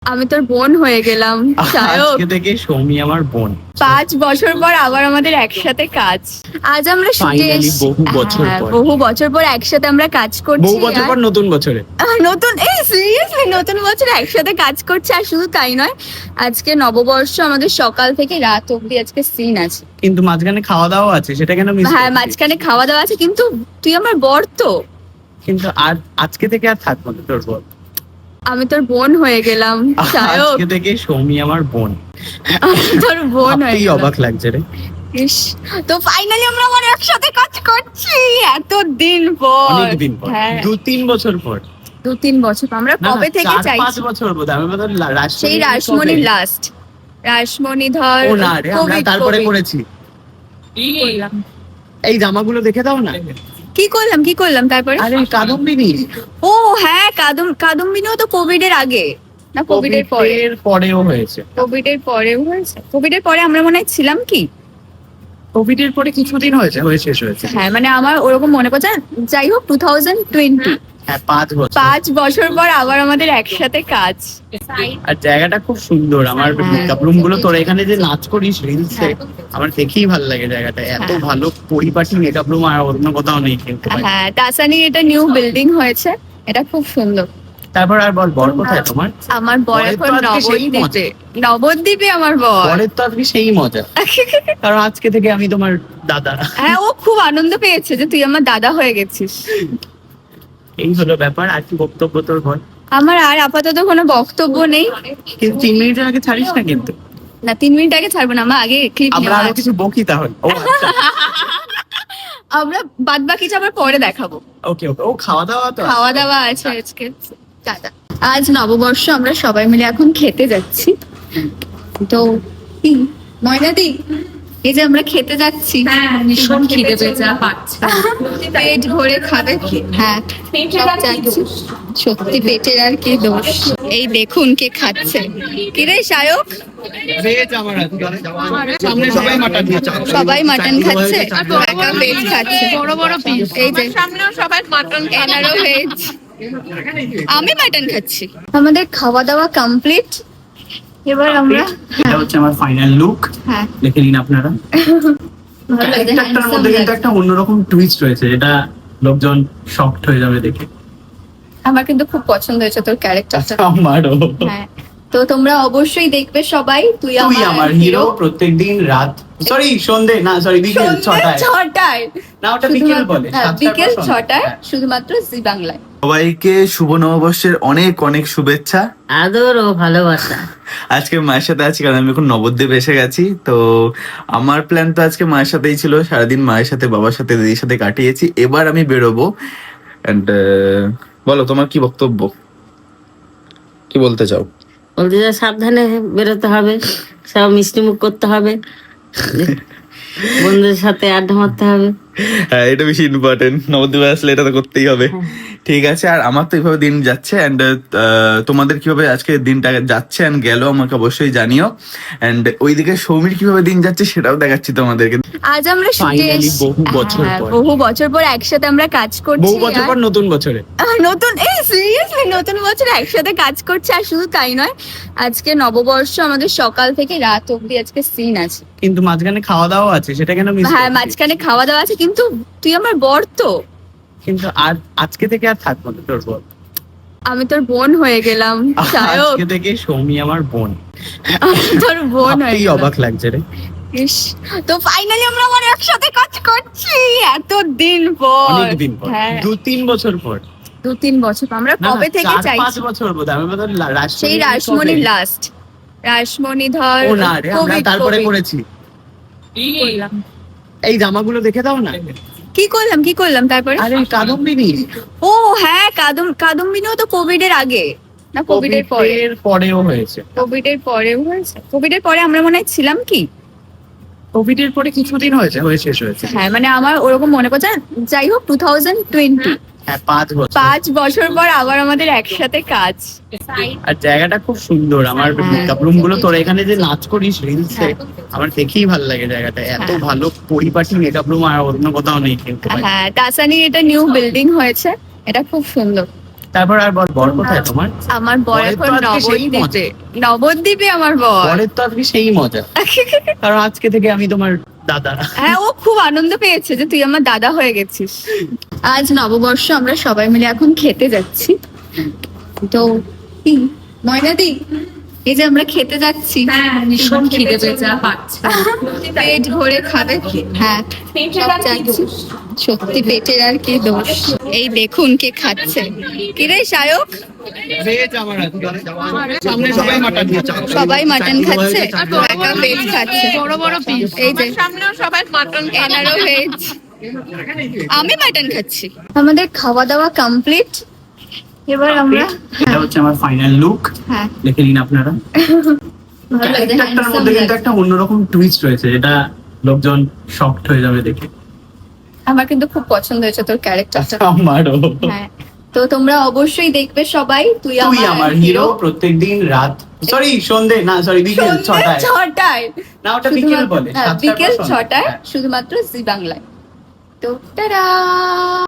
আমি তোর বোন হয়ে গেলাম সায়ক। আজকে থেকে সৌমি আমার বোন। 5 বছর পর আবার আমাদের একসাথে কাজ। আজ আমরা শুটে Finally, বহু বছর পর। বহু বছর পর একসাথে আমরা কাজ করছি। বহু বছর পর নতুন বছরে। নতুন সিরিয়াসলি নতুন বছরে একসাথে কাজ করছি। আর শুধু তাই নয়, আজকে নববর্ষ, আমাদের সকাল থেকে রাত অবধি আজকে সিন আছে। কিন্তু মাঝখানে খাওয়া দাওয়া আছে, সেটা কেন মিস? হ্যাঁ, মাঝখানে খাওয়া দাওয়া আছে, কিন্তু তুই আমার বর তো। কিন্তু আর আজকে থেকে আর থাকবো না তোর বোন। আমি তোর বোন হয়ে গেলাম সায়ক। আজকে থেকে সৌমি আমার বোন। আমি তোর বোন হয়ে ভাবতেই গেলাম। অবাক লাগছে রে। ইস, তো ফাইনালি আমরা আবার একসাথে কাজ করছি এত দিন পর। অনেকদিন পর, হ্যাঁ, 2-3 বছর পর। 2-3 বছর পর। আমরা কবে থেকে 4-5 চাইছি? বছর বোধ হয়। আমি বোধহয় সেই রাসমণি লাস্ট, রাসমণি ধর ও না রে, আমরা COVID, তারপরে COVID করেছি। করলাম। এই জামাগুলো দেখে দাও না। কি করলাম তারপরে? আরে কাদম্বিনী। ও হ্যাঁ, কাদম্বিনীও তো কোভিড এর আগে না কোভিড এর পরে? এর পরেও হয়েছে। কোভিড এর পরেও হয়েছে। কোভিড এর পরে আমরা মনে হয় ছিলাম কি? কোভিড এর পরে কিছুদিন হয়েছে, শেষ হয়েছে। হ্যাঁ, মানে আমার ওরকম মনে পড়ছে না। যাই হোক, 2020, হ্যাঁ, 5 বছর। 5 বছর পর আবার আমাদের একসাথে কাজ। আর জায়গাটা খুব সুন্দর। আমার মেকআপ রুম গুলো, তোর এখানে যে নাচ করিস রিলসে, আমার দেখেই ভালো লাগে জায়গাটা। এত ভালো পরিপাটি মেকআপ রুম আর অন্য কোথাও নেই কিন্তু। হ্যাঁ, তাসানির এটা নিউ বিল্ডিং হয়েছে, এটা খুব সুন্দর। তারপর আর বল, বর কোথায় তোমার? আমার বর বরের তো এখন আজকে সেই নবদ্বীপে। নবদ্বীপে আমার বর। বরের তো আজকে সেই মজা, কারণ আজকে থেকে আমি তোমার দাদা। হ্যাঁ, ও খুব আনন্দ পেয়েছে যে তুই আমার দাদা হয়ে গেছিস। এই হলো ব্যাপার। আর কি বক্তব্য তোর বল? আমার আর আপাতত কোনো বক্তব্য নেই। কিন্তু 3 মিনিটের আগে ছাড়িস না কিন্তু। না, 3 মিনিট আগে ছাড়বো না, আমার আগে ক্লিপ আমরা আরো কিছু বকি তাহলে। ও আচ্ছা, আমরা বাদ বাকিটা আবার পরে দেখাবো। ওকে ওকে। ও খাওয়া দাওয়া তো খাওয়া দাওয়া আছে আজকে। টাটা। আজ নববর্ষ, আমরা সবাই মিলে এখন খেতে যাচ্ছি। তো কি ময়নাদি, এই যে আমরা খেতে যাচ্ছি, ভীষণ খিদে পেয়েছে, পাচ্ছি পেট ভরে খাবে। হ্যাঁ, সব যাচ্ছি। সত্যি পেটের আর কি দোষ। এই দেখুন কে খাচ্ছে। কি রে সায়ক? ভেজ আমার আজকে। সামনে সবাই মাটন খাচ্ছে। সবাই মাটন খাচ্ছে, একা ভেজ খাচ্ছে। বড় বড় পিস। এই যে সামনেও সবাই মাটন এনারও ভেজ, আমি মাটন খাচ্ছি। আমাদের খাওয়া দাওয়া কমপ্লিট। এবার আমরা এটা হচ্ছে আমার ফাইনাল লুক। হ্যাঁ, দেখে নিন আপনারা। একটার মধ্যে কিন্তু একটা অন্যরকম টুইস্ট রয়েছে, যেটা লোকজন শকড হয়ে যাবে দেখে। আমার কিন্তু খুব পছন্দ হয়েছে তোর ক্যারেক্টারটা। আমারও। হ্যাঁ, তো তোমরা অবশ্যই দেখবে সবাই। তুই তুই আমার হিরো প্রত্যেকদিন রাত, সরি সন্ধে না, সরি বিকেল 6টায়। 6টায় না, ওটা বিকেল বলে। 7টার পর বিকেল সন্ধ্যা। 6টায় হ্যাঁ। শুধুমাত্র জি বাংলায়। সবাইকে শুভ নববর্ষের অনেক অনেক শুভেচ্ছা। আদর ও ভালোবাসা। আজকে মায়ের সাথে আছি কারণ আমি এখন নবদ্বীপ এসে গেছি। তো আমার প্ল্যান তো আজকে মায়ের সাথেই ছিল, সারাদিন মায়ের সাথে, বাবার সাথে, দিদির সাথে কাটিয়েছি। এবার আমি বেরোবো। অ্যান্ড বলো তোমার কি বক্তব্য, কি বলতে চাও? বলতে যা, সাবধানে বেরোতে হবে, সব মিষ্টি মুখ করতে হবে, বন্ধুদের সাথে আড্ডা মারতে হবে। হ্যাঁ, এটা বেশি ইম্পর্টেন্ট। নবদ্বীপে আসলে এটা তো করতেই হবে। ঠিক আছে। আর আমার তো এইভাবে দিন যাচ্ছে। অ্যান্ড তোমাদের কিভাবে আজকে দিনটা যাচ্ছে অ্যান্ড গেল আমাকে অবশ্যই জানিও। অ্যান্ড ওইদিকে সৌমির কিভাবে দিন যাচ্ছে সেটাও দেখাচ্ছি তোমাদেরকে। আজ আমরা শুটে Finally, বহু বছর পর। বহু বছর পর একসাথে আমরা কাজ করছি। বহু বছর পর নতুন বছরে। নতুন সিরিয়াসলি নতুন বছরে একসাথে কাজ করছি। আর শুধু তাই নয়, আজকে নববর্ষ, আমাদের সকাল থেকে রাত অবধি আজকে সিন আছে। কিন্তু মাঝখানে খাওয়া দাওয়া আছে, সেটা কেন মিস? হ্যাঁ, মাঝখানে খাওয়া দাওয়া আছে, কিন্তু তুই আমার বর তো। কিন্তু আর আজকে থেকে আর থাকবো না তোর বোন। আমি তোর বোন হয়ে গেলাম সায়ক। আজকে থেকে সৌমি আমার বোন। আমি তোর বোন হয়ে ভাবতেই গেলাম। অবাক লাগছে রে। ইস, তো ফাইনালি আমরা আবার একসাথে কাজ করছি এত দিন পর। অনেকদিন পর, হ্যাঁ, 2-3 বছর পর। 2-3 বছর পর। আমরা কবে থেকে 4-5 চাইছি? বছর বোধ হয়। আমি বোধহয় সেই রাসমণি লাস্ট, রাসমণি ধর ও না রে, আমরা COVID, তারপরে COVID করেছি। করলাম। এই জামাগুলো দেখে দাও না। কি করলাম তারপরে? আরে কাদম্বিনী। ও হ্যাঁ, কাদম্বিনীও তো কোভিড এর আগে না কোভিড এর পরে? এর পরেও হয়েছে। কোভিড এর পরেও হয়েছে। কোভিড এর পরে আমরা মনে হয় ছিলাম কি? কোভিড এর পরে কিছুদিন হয়েছে, শেষ হয়েছে। হ্যাঁ, মানে আমার ওরকম মনে পড়ছে না। যাই হোক, 2020, হ্যাঁ, 5 বছর। 5 বছর পর আবার আমাদের একসাথে কাজ। আর জায়গাটা খুব সুন্দর। আমার মেকআপ রুম গুলো, তোর এখানে যে নাচ করিস রিলসে, আমার দেখেই ভালো লাগে জায়গাটা। এত ভালো পরিপাটি মেকআপ রুম আর অন্য কোথাও নেই কিন্তু। হ্যাঁ, তাসানির এটা নিউ বিল্ডিং হয়েছে, এটা খুব সুন্দর। তারপর আর বর কোথায় তোমার? আমার বর বরের তো এখন আজকে সেই নবদ্বীপে। নবদ্বীপে আমার বর। বরের তো আজকে সেই মজা, কারণ আজকে থেকে আমি তোমার দাদা। হ্যাঁ, ও খুব আনন্দ পেয়েছে যে তুই আমার দাদা হয়ে গেছিস। আজ নববর্ষ, আমরা সবাই মিলে এখন খেতে যাচ্ছি। তো কি ময়নাদি, এই যে আমরা খেতে যাচ্ছি, ভীষণ খিদে পেয়েছে, পেট ভরে খাবে। হ্যাঁ, সব যাচ্ছি। সত্যি পেটের আর কি দোষ। এই দেখুন কে খাচ্ছে। কি রে সায়ক? সামনে সবাই মাটন খাচ্ছে। সবাই মাটন খাচ্ছে, একা ভেজ খাচ্ছে। বড় বড় পিস এই যে সামনেও সবাই মাটন এনারও ভেজ, আমি মাটন খাচ্ছি। আমাদের খাওয়া দাওয়া কমপ্লিট। এবার আমরা এটা হচ্ছে আমার ফাইনাল লুক, হ্যাঁ দেখে নিন আপনারা। ভালো লাগছে, ক্যারেক্টারটার handsome মধ্যে কিন্তু লাগছে। একটা অন্যরকম টুইস্ট রয়েছে, যেটা লোকজন শকড হয়ে যাবে দেখে। আমার কিন্তু খুব পছন্দ হয়েছে তোর ক্যারেক্টারটা। আমারও। হ্যাঁ, তো তোমরা অবশ্যই দেখবে সবাই। তুই তুই আমার হিরো প্রত্যেকদিন রাত, সরি সন্ধে না, সরি বিকেল সন্ধ্যে 6টায়। 6টায়। না ওটা বিকেল বলে, হ্যাঁ, 7টার পর বিকেল সন্ধ্যে। 6টায় হ্যাঁ। শুধুমাত্র জি বাংলায়। তো টাটা।